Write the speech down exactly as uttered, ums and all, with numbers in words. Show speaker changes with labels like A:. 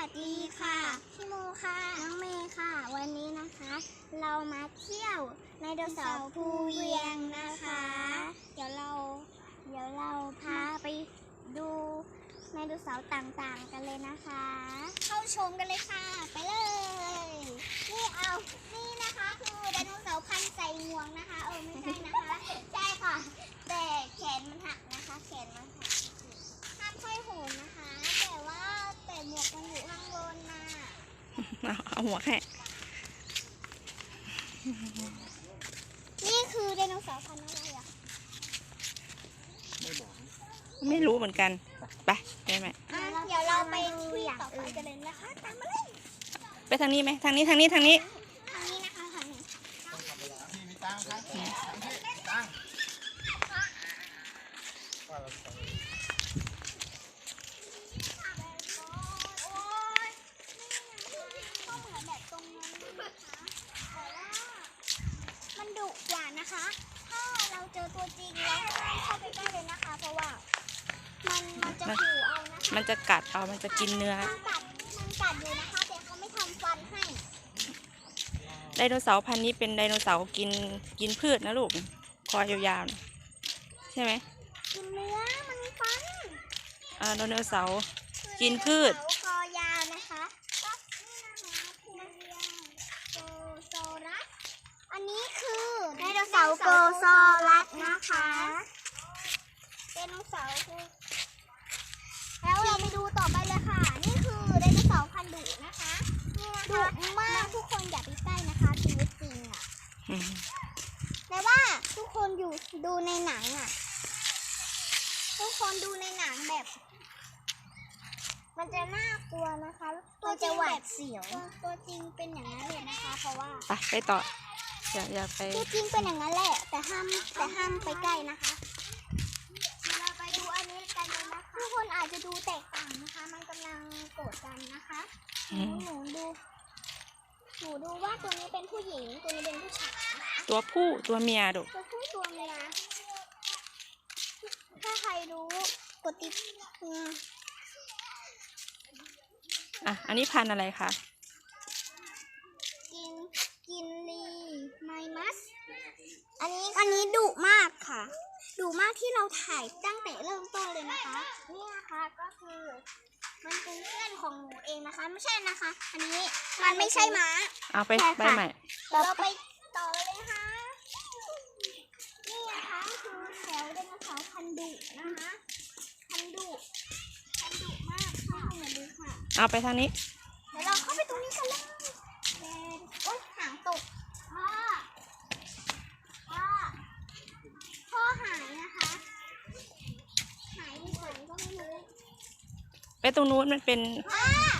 A: ดีค่ะพี่โมค่ะน้องเมย์ค่ะวันนี้นะคะเรามาเที่ยวไดโนเสาร์ภูเวียงนะคะเดี๋ยวเราเดี๋ยวเราพาไปดูไดโนเสาร์ต่างๆกันเลยนะคะเข้าชมกันเลยค่ะไปเลยนี่เอานี่นะคะคือไดโนเสาร์พันใส่งวงนะคะเออไม่ใช่นะคะใช่ค่ะแต่แขนมันหักนะคะแขนมันหักห้ามค่อยโหนนะคะแต่ว่าแต่หมวกมันอยู่ข้างบนน่ะ
B: เอาเอาหัวแค่
A: นี่คือไดโนเสาร์พันธุ์อะไรอ่ะ
C: ไม่บอก
B: ไม่รู้เหมือนกันไปได้ไหม
A: เดี๋ยวเราไปที่ต่อไปกันเลยนะคะตามมาเลย
B: ไปทางนี้ไหมทางนี้ทางนี้ทางนี้
A: ทางนี้นะคะทางนี้
C: พี่มีตังค์ครับตังค์พี่ตังค์ว่าเราไป
A: โอ๊ยก็เหมือนแบบตรงนั้นนะคะแต่ว่ามันดุกว่านะคะ ถ้าเราเจอตัวจริงแล้วเข้าไปใกล้เลยนะคะ เพราะว่ามันมันจะขู่เอานะคะ
B: มันจะกัดเอามันจะกินเนื้อ
A: มันกัดมันกัดอยู่นะคะ แต่เขาไม่ทำฟันให้
B: ไดโนเสาร์พันธุ์นี้เป็นไดโนเสาร์กินกินพืชนะลูกคอยาวๆนะใช่ไหม
A: กินเนื้อมันมีฟัน
B: อ่าไดโนเสาร์กินพืช
A: คอยาวนะคะก็นี่นะคะคือโกโซรัสอันนี้คือไดโนเสาร์โกโซรัสนะคะไดโนเสาร์คือแล้วเราไปดูต่อไปเลยค่ะ นี่คือไดโนเสาร์พันธุ์ดุนะคะดุมากทุกคนอย่าไปใกล้นะคะชีวิตจริงอ่ะ
B: อืม
A: แต่ว่าทุกคนอยู่ดูในหนังอ่ะทุกคนดูในหนังแบบ มันจะน่ากลัวนะคะมันจะหวาดเสียวตัวจริงเป็นอย่างนั้นเลยนะคะ เพราะว่า
B: ไปไปต่ออย่าอย่าไป
A: ตัวจริงเป็นอย่างนั้นแหละ แต่ห้ามแต่ห้ามไปใกล้นะคะเราไปดูอันนี้กันเลยนะคะทุกคนอาจจะดูแตกต่างนะคะ มันกำลังโกรธกันนะคะหนูหนูดูหนูดูว่าตัวนี้เป็นผู้หญิงตัวนี้เป็นผู้ชายนะคะ
B: ตัวผู้ตัวเมียลูก
A: ตัวผู้ตัวเมียถ้าใครรู้กดติดอืม
B: อ่ะอันนี้พันธุ์อะไรคะ
A: กินกินลีไมมัสอันนี้อันนี้ดุมากค่ะดุมากที่เราถ่ายตั้งแต่เริ่มต้นเลยนะคะนี่นะคะก็คือมันเป็นเพื่อนของหนูเองนะคะ ไม่ใช่นะคะ อันนี้มันไม่ใช่ม้า
B: เอาไป
A: ใช่
B: ไป
A: ค่ะ
B: ใหม่
A: เราไปต่อเลยค่ะนี่นะคะคือแถวไดโนเสาร์พันธุ์ดุนะคะพันธุ์ดุพันธุ์ดุมากค่ะมาดูค่ะ
B: เอาไปทางนี้
A: เดี๋ยวเราเข้าไปตรงนี้กันเลยเดินโอ๊ยหางตกพ่อพ่อพ่อหายนะคะหายไปไหนก็ไม่รู้
B: ไปตรงนู้นมันเป็น
A: พ่อ